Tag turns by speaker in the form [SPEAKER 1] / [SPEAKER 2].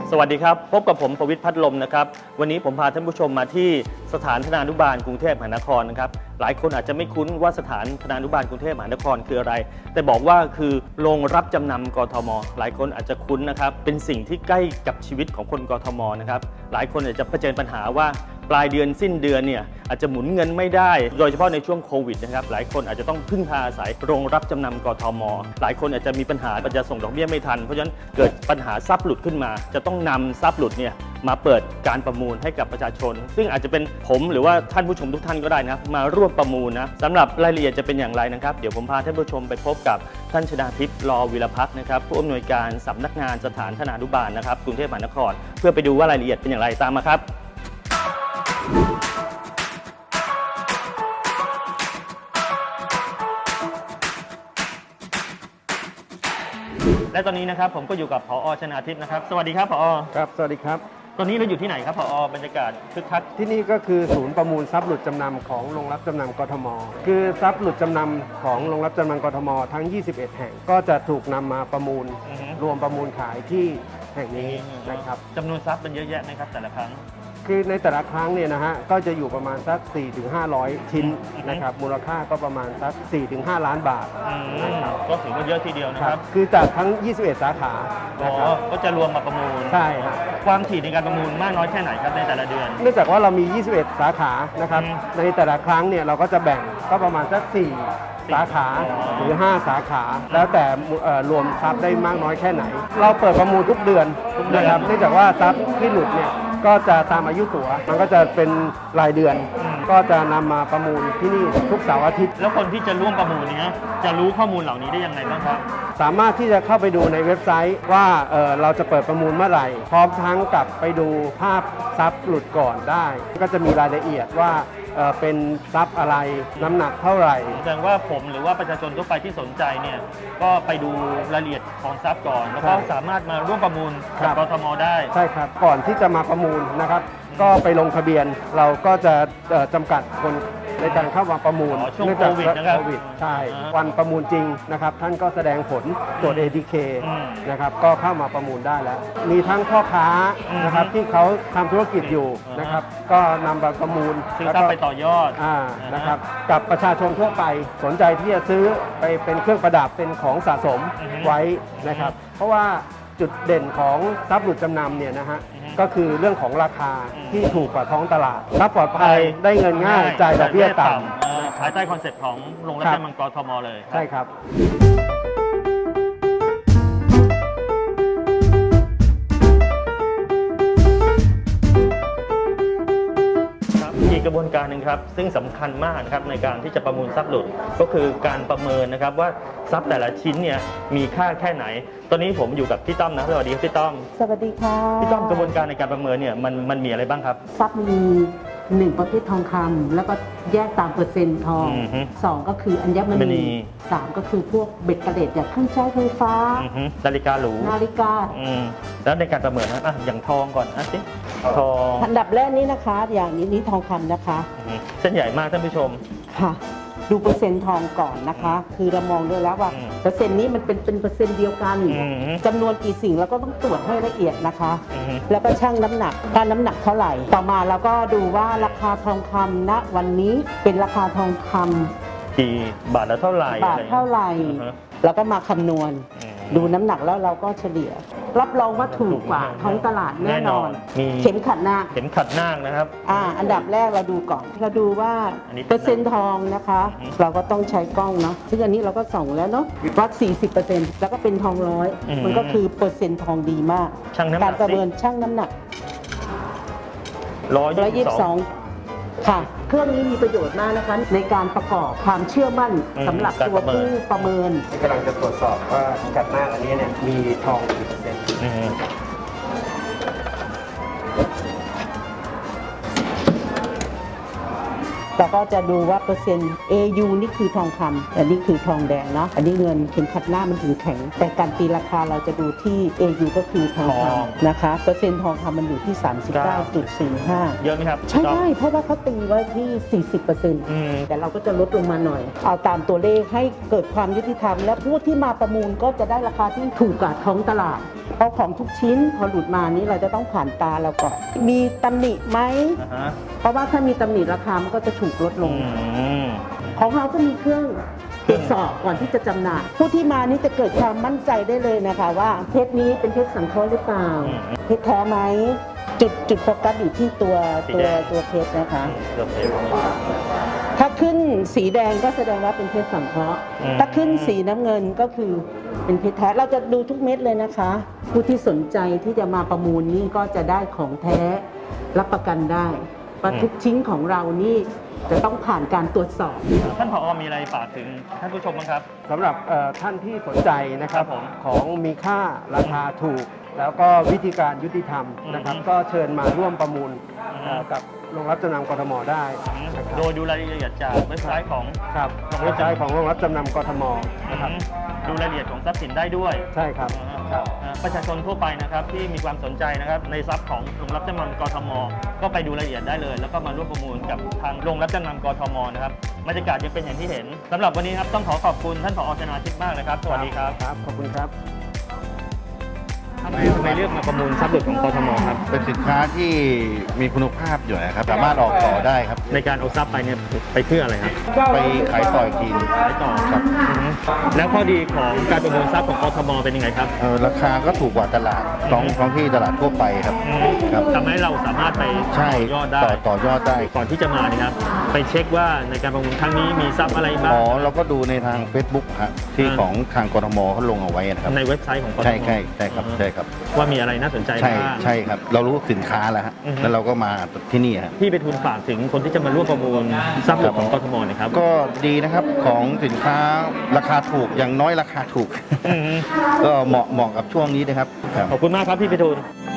[SPEAKER 1] สวัสดีครับพบกับผมประวิตรพัดลมนะครับวันนี้ผมพาท่านผู้ชมมาที่สถานธนานุบาลกรุงเทพมหานครนะครับหลายคนอาจจะไม่คุ้นว่าสถานธนานุบาลกรุงเทพมหานครคืออะไรแต่บอกว่าคือโรงรับจำนำกทมหลายคนอาจจะคุ้นนะครับเป็นสิ่งที่ใกล้กับชีวิตของคนกทมนะครับหลายคนอาจจะเผชิญปัญหาว่าปลายเดือนสิ้นเดือนเนี่ยอาจจะหมุนเงินไม่ได้โดยเฉพาะในช่วงโควิดนะครับหลายคนอาจจะต้องพึ่งพาอาศัยโรงรับจำนำกทมหลายคนอาจจะมีปัญหาจะส่งดอกเบี้ยไม่ทันเพราะฉะนั้นเกิดปัญหาทรัพย์หลุดขึ้นมาจะต้องนำทรัพย์หลุดเนี่ยมาเปิดการประมูลให้กับประชาชนซึ่งอาจจะเป็นผมหรือว่าท่านผู้ชมทุกท่านก็ได้นะมาร่วมประมูลนะสำหรับรายละเอียดจะเป็นอย่างไรนะครับเดี๋ยวผมพาท่านผู้ชมไปพบกับท่านชนาทิพย์ ลอวิรพัฒน์นะครับผู้อำนวยการสำนักงานสถานธนานุบาลนะครับกรุงเทพมหานครเพื่อไปดูว่ารายละเอียดเป็นอย่างไรตามมาครับและตอนนี้นะครับผมก็อยู่กับผอ.ชนาทิพย์นะครับสวัสดีครับผอ.
[SPEAKER 2] ครับสวัสดีครับ
[SPEAKER 1] ตอนนี้เราอยู่ที่ไหนครับผอ.บรรยากาศคึกคัก
[SPEAKER 2] ที่นี่ก็คือศูนย์ประมูลทรัพย์หลุดจำนำของโรงรับจำนำกทมคือทรัพย์หลุดจำนำของโรงรับจำนำกทมทั้ง21แห่งก็จะถูกนำมาประมูลรวมประมูลขายที่แห่งนี้นะครับ
[SPEAKER 1] จำนวนทรัพย์เป็นเยอะแยะไหมครับแต่ละครั้ง
[SPEAKER 2] คือในแต่ละครั้งเนี่ยนะฮะก็จะอยู่ประมาณสัก 4-500 ชิ้นนะครับมูลค่าก็ประมาณสัก 4-5 ล้านบาท
[SPEAKER 1] นะครับก็ถือว่าเยอะทีเดียวนะครับ
[SPEAKER 2] คือจากทั้ง21สาขานะครับ
[SPEAKER 1] ก็จะรวมมาประมูล
[SPEAKER 2] ใช่ครับ
[SPEAKER 1] ความถี่ในการประมูลมากน้อยแค่ไหนครับในแต่ละเดือน
[SPEAKER 2] เนื่องจากว่าเรามี21สาขานะครับในแต่ละครั้งเนี่ยเราก็จะแบ่งก็ประมาณสัก4สาขาหรือ5สาขาแล้วแต่รวมทรัพย์ได้มากน้อยแค่ไหนเราเปิดประมูลทุกเดือนนะครับเนื่องจากว่าทรัพย์ที่หลุดเนี่ยก็จะตามอายุตั๋วมันก็จะเป็นรายเดือนก็จะนำมาประมูลที่นี่ทุกเสาร์อาทิตย์
[SPEAKER 1] แล้วคนที่จะร่วมประมูลนี้จะรู้ข้อมูลเหล่านี้ได้ยังไงบ้างครับ
[SPEAKER 2] สามารถที่จะเข้าไปดูในเว็บไซต์ว่าเราจะเปิดประมูลเมื่อไหร่พร้อมทั้งกับไปดูภาพทรัพย์หลุดก่อนได้ก็จะมีรายละเอียดว่าเป็นทรัพย์อะไรน้ำหนักเท่าไหร่
[SPEAKER 1] แสดงว่าผมหรือว่าประชาชนทั่วไปที่สนใจเนี่ยก็ไปดูรายละเอียดของทรัพย์ก่อนแล้วก็สามารถมาร่วมประมูลกับกทมได้
[SPEAKER 2] ใช่ครับก่อนที่จะมาประมูลนะครับก็ไปลงทะเบียนเราก็จะจำกัดคนในการเข้ามาประมูล
[SPEAKER 1] ช่วงโควิดนะครับ
[SPEAKER 2] ใช่วันประมูลจริงนะครับท่านก็แสดงผลตรวจ ATK นะครับก็เข้ามาประมูลได้แล้วมีทั้งพ่อค้านะครับที่เขาทำธุรกิจอยู่นะครับก็นำมาประมูล
[SPEAKER 1] ซื้อทรัพย์ไปต่อยอด
[SPEAKER 2] นะครับกับประชาชนทั่วไปสนใจที่จะซื้อไปเป็นเครื่องประดับเป็นของสะสมไว้นะครับเพราะว่าจุดเด่นของทรัพย์หลุดจำนำเนี่ยนะฮะก็คือเรื่องของราคาที่ถูกกว่าท้องตลาดทรัพย์ปลอดภัยได้เงินง่ายจ่ายดอกเบี้ยต่
[SPEAKER 1] ำภายใต้คอนเซ็ปต์ของโรงรับจำนำกทมเลย
[SPEAKER 2] ใช่ครับ
[SPEAKER 1] อีกกระบวนการหนึ่งครับซึ่งสำคัญมากนะครับในการที่จะประมูลทรัพย์หลุดก็คือการประเมินนะครับว่าทรัพย์แต่ละชิ้นเนี่ยมีค่าแค่ไหนตอนนี้ผมอยู่กับพี่ต้อมนะสวัสดีครับพี่ต้อม
[SPEAKER 3] สวัสดีค่ะ
[SPEAKER 1] พี่ต้อมกระบวนการในการประเมินเนี่ยมันมีอะไรบ้างครับ
[SPEAKER 3] ทรัพย์มี1ประเภททองคำแล้วก็แยกตามเปอร์เซ็นต์ทอง2ก็คืออัญมณี3ก็คือพวกเบ็ดกระเด็ดอย่างเครื่องใช้ไฟฟ้า
[SPEAKER 1] นาฬิกาหรู
[SPEAKER 3] นาฬิกา
[SPEAKER 1] แล้วในการประเมินนะอย่างทองก่อนสิทอง
[SPEAKER 3] อันดับแรกนี้นะคะอย่างนี้ทองคำนะคะ
[SPEAKER 1] เส้นใหญ่มากท่านผู้ชม
[SPEAKER 3] ค่ะดูเปอร์เซ็นต์ทองก่อนนะคะคือเรามองด้วยแล้วว่าเปอร์เซ็นต์นี้มันเป็นเปอร์เซ็นต์เดียวกันจำนวนกี่สิ่งเราก็ต้องตรวจให้ละเอียดนะคะแล้วก็ชั่งน้ำหนักการน้ำหนักเท่าไหร่ต่อมาเราก็ดูว่าราคาทองคำณวันนี้เป็นราคาทองคำ
[SPEAKER 1] กี่บาทละเท่าไหร่
[SPEAKER 3] บาทเท่าไหร่แล้วก็มาคำนวณดูน้ำหนักแล้วเราก็เฉลี่ยรับรองว่าถูกกว่าท้องตลาดแน่นอนเข็มขัดนา
[SPEAKER 1] คนะครับ
[SPEAKER 3] อันดับแรกเราดูก่อนเราดูว่าเปอร์เซ็นต์ทองนะคะเราก็ต้องใช้กล้องเนาะซึ่งอันนี้เราก็ส่องแล้วเนาะวัด 40% แล้วก็เป็นทองร้อยมันก็คือเปอร์เซ็นต์ทองดีมากการประเมินชั่งน้ำหนัก122ค่ะเครื่องนี้มีประโยชน์มากนะคะในการประกอบความเชื่อมั่นสำหรับตัวผู้ประเมิน
[SPEAKER 2] กำลังจะตรวจสอบว่ากัดหน้าอันนี้เนี่ยมีทองกี่เปอร์เซ็นต์
[SPEAKER 3] เราก็จะดูว่าเปอร์เซ็นต์ AU นี่คือทองคำอันนี้คือทองแดงเนาะอันนี้เงินเข็มขัดหน้ามันถึงแข็งแต่การตีราคาเราจะดูที่ AU ก็คือทองคำนะคะเปอร์เซ็นต์ทองคำมันอยู่ที่ 39.45
[SPEAKER 1] เยอะไหมครับ
[SPEAKER 3] ใช่ได้เพราะว่าเขาตีไว้ที่ 40%แต่เราก็จะลดลงมาหน่อย เอาตามตัวเลขให้เกิดความยุติธรรม และผู้ที่มาประมูลก็จะได้ราคาที่ถูกกว่าท้องตลาด เพราะของทุกชิ้นพอหลุดมานี้เราจะต้องผ่านตาเราก่อน มีตำหนิไหม เพราะว่าถ้ามีตำหนิราคามันก็จะถูกลดลง ของเราก็มีเครื่องตรวจสอบก่อนที่จะจำหน่าย ผู้ที่มานี่จะเกิดความมั่นใจได้เลยนะคะว่าเพชรนี้เป็นเพชรสังเคราะห์หรือเปล่า เพชรแท้ไหมจุดโฟกัสอยู่ที่ตัวเพชรนะคะ ถ้าขึ้นสีแดงก็แสดงว่าเป็นเพชรสังเคราะห์ถ้าขึ้นสีน้ำเงินก็คือเป็นเพชรแท้ เราจะดูทุกเม็ดเลยนะคะ ผู้ที่สนใจที่จะมาประมูลนี่ก็จะได้ของแท้รับประกันได้ว่าทุกชิ้นของเรานี่จะต้องผ่านการตรวจสอบ
[SPEAKER 1] ท่านผอมีอะไรฝากถึงท่านผู้ชมบ้างครับ
[SPEAKER 2] สำหรับท่านที่สนใจนะครับ
[SPEAKER 1] ครับผม
[SPEAKER 2] ของมีค่าราคาถูก แล้วก็วิธีการยุติธรรมนะครับ ก็เชิญมาร่วมประมูลกับโรงรับจำนำกทมได้นะครับ
[SPEAKER 1] โดยดูรายละเอียดจากเว็บไซต์ของ
[SPEAKER 2] ครับเว็บไซต์ของโรงรับจำนำกทมนะครับ
[SPEAKER 1] ดูรายละเอียดของทรัพย์สินได้ด้วย
[SPEAKER 2] ใช่ครับครับ
[SPEAKER 1] ประชาชนทั่วไปนะครับที่มีความสนใจนะครับในทรัพย์ของโรงรับจำนำกทม ก็ไปดูรายละเอียดได้เลย แล้วก็มาร่วมประมูลกับทางโรงรับจำนำกทมนะครับบรรยากาศยังเป็นอย่างที่เห็นสำหรับวันนี้ครับต้องขอขอบคุณท่านผอ.ชนาทิพย์มากเลยครับสวัสดีครับ
[SPEAKER 2] ครับขอบคุณครับ
[SPEAKER 1] ทำไมเลือกมาประมูลทรัพย์หลุดของกทมครับ
[SPEAKER 4] เป็นสินค้าที่มีคุณภาพอยู่นะครับ สามารถออกต่อได้ครับ
[SPEAKER 1] ในการเอาทรัพย์ไปเนี่ยไปเพื่ออะไรครับ
[SPEAKER 4] ไปขายต่ออีกทีหนึ่ง
[SPEAKER 1] ขายต่อครับแล้วข้อดีของการประมูลทรัพย์ของกทมเป็นยังไงครับ
[SPEAKER 4] ราคาก็ถูกกว่าตลาดท้องที่ตลาดทั่วไปครับครับ
[SPEAKER 1] ทำให้เราสามารถไป
[SPEAKER 4] ใช่
[SPEAKER 1] ต่อยอดได้
[SPEAKER 4] ต่อยอดได้
[SPEAKER 1] ก่อนที่จะมาเนี่ยครับไปเช็คว่าในการประมูลครั้งนี้มีทรัพย์อะไรบ้าง
[SPEAKER 4] อ๋อเราก็ดูในทาง Facebook ครับที่ของทางกทมเขาลงเอาไว้นะครับ
[SPEAKER 1] ในเว็บไซต์ของกทม
[SPEAKER 4] ใช่ครับใช่ครับ
[SPEAKER 1] ว่ามีอะไรน่าสนใจ
[SPEAKER 4] ใช่
[SPEAKER 1] บ้าง
[SPEAKER 4] ใช่ครับ เรารู้สินค้าแล้วฮะ
[SPEAKER 1] อือฮึ
[SPEAKER 4] แล้วเราก็มาที่นี่ฮะ
[SPEAKER 1] พี่ไปทูลฝากถึงคนที่จะมาร่วมประมูลทรัพย์หลุดของกทมหนะครับ
[SPEAKER 4] ก็ดีนะครับของสินค้าราคาถูกอย่างน้อยราคาถูก
[SPEAKER 1] อืม
[SPEAKER 4] ก็เหมาะกับช่วงนี้นะครับครับ
[SPEAKER 1] ขอบคุณมากครับพี่ไปทูล